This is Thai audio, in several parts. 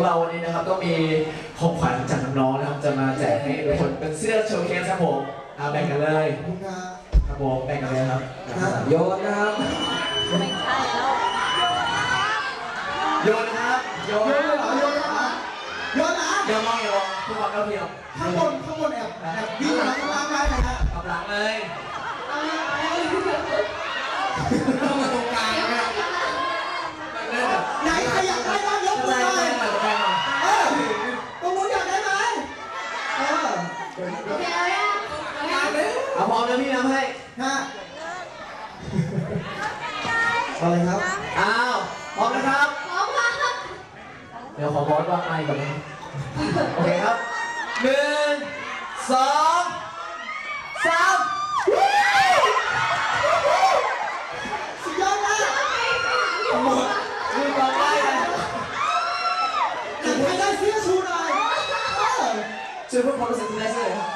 ของเราวันนี้นะครับก็มีของขวัญจากน้องๆนะครับจะมาแจกให้ทุกคนเป็นเสื้อโชว์เคสครับผมแบ่งกันเลยครับผมแบ่งกันเลยครับโยนนะครับไม่ใช่แล้วโยนนะครับโยนเหรอโยนนะโยนนะเดี๋ยวมองอย่ามองทุกคนเท่าเทียมข้างบนแอบวิ่งมาข้างล่างได้ไหมฮะกำลังเลยเข้ามาตรงกลางนะครับไหนใครอยากได้บ้างยกมือหน่อยตรงนู้นอยากได้ไหมเอาพร้อมแล้วพี่น้ำให้ฮะอะไรครับอ้าวพร้อมนะครับพร้อมครับเดี๋ยวขอบอสว่าไงก่อนนะโอเคครับ1 2 3สุดยอดมากหมดมือกองได้เลยใครได้เสื้อชูหน่อยช่วยเพิ่มความรู้สึกที่ได้เสื้อเลยครับ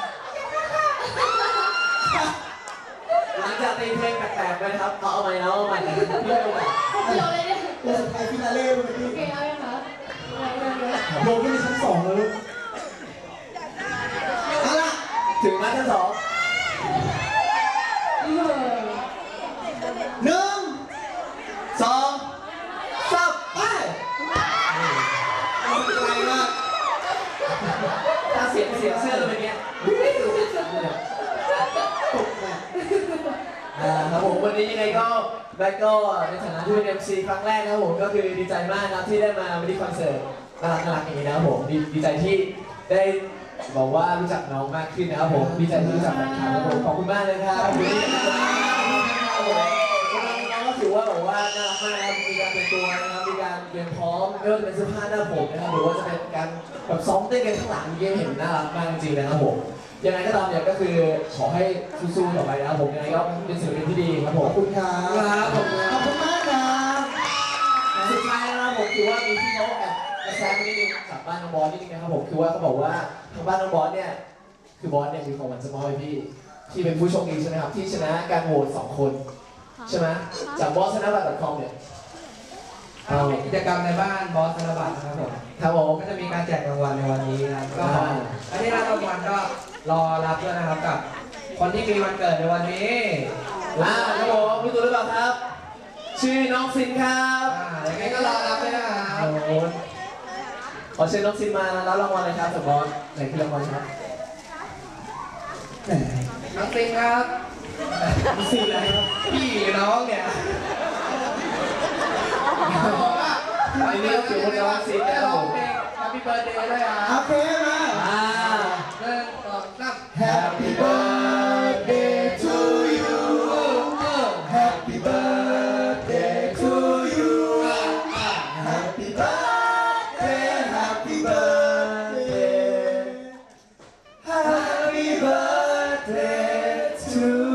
หลังจากตีเพลงแปลกๆไปนะครับเอาใหม่แล้วเอาใหม่นะครับพี่เอาใหม่ตัวสุดท้ายฟินาเล่เลยพี่โอเคเอายังคะโดนที่ชั้น2เลยเอาละถึงมาชั้น2 1 2 3ไปไกลมากถ้าเสียงเสื้อเลยแบบนี้ครับผมวันนี้ยังไงก็แบ็คก็ในฐานะที่เป็น MC ครั้งแรกนะครับผมก็คือดีใจมากนะที่ได้มาวันนี้คอนเสิร์ตน่ารักอย่างนี้นะครับผมดีใจที่ได้บอกว่ารู้จักน้องมากขึ้นนะครับผมดีใจที่รู้จักแฟนคลับครับผมขอบคุณมากเลยครับน้องก็ถือว่าแบบว่าน่ารักมากนะครับมีการเป็นตัวนะครับมีการเตรียมพร้อมไม่ว่าจะเป็นเสื้อผ้าหน้าผมนะครับหรือว่าจะเป็นการแบบซ้อมเต้นกันข้างหลังเยี่ยมเห็นน่ารักมากจริงๆนะครับผมยังไงก็ตามเนี่ยก็คือขอให้สู้ๆต่อไปนะครับผมยังไงก็เป็นศิลปินที่ดีครับผมขอบคุณครับขอบคุณมากครับสุดท้ายนะครับผมคือว่ามีที่เขาแอบกระแสนิดนึงจากบ้านน้องบอสนิดนึงนะครับผมคือว่าเขาบอกว่าทางบ้านน้องบอสเนี่ยคือบอสเนี่ยมีของขวัญจะมอบให้พี่ที่เป็นผู้โชคดีใช่ไหมครับที่ชนะการโหวต2 คนใช่ไหมจากบอสธนบัตร .com เนี่ยเป็นกิจกรรมในบ้านบอสธนบัตรนะครับผมก็จะมีการแจกรางวัลในวันนี้นะครับก็อันนี้รางวัลก็รอรับด้วยนะครับกับคนที่มีวันเกิดในวันนี้ครับผมรู้ตัวหรือเปล่าครับชื่อน้องซินครับยังไงก็รอรับด้วยนะครับขอเชิญน้องซินมารับรางวัลเลยครับสบอสไหนคือรางวัลครับน้องซินครับซินอะไรครับพี่หรือน้องเนี่ยอันนี้ก็คือคนน้องซินนะครับผม Happy Birthday ด้วยครับโอเคมา 1 2 3 Happy Birthday to you Happy Birthday to you Happy Birthday Happy Birthday Happy Birthday to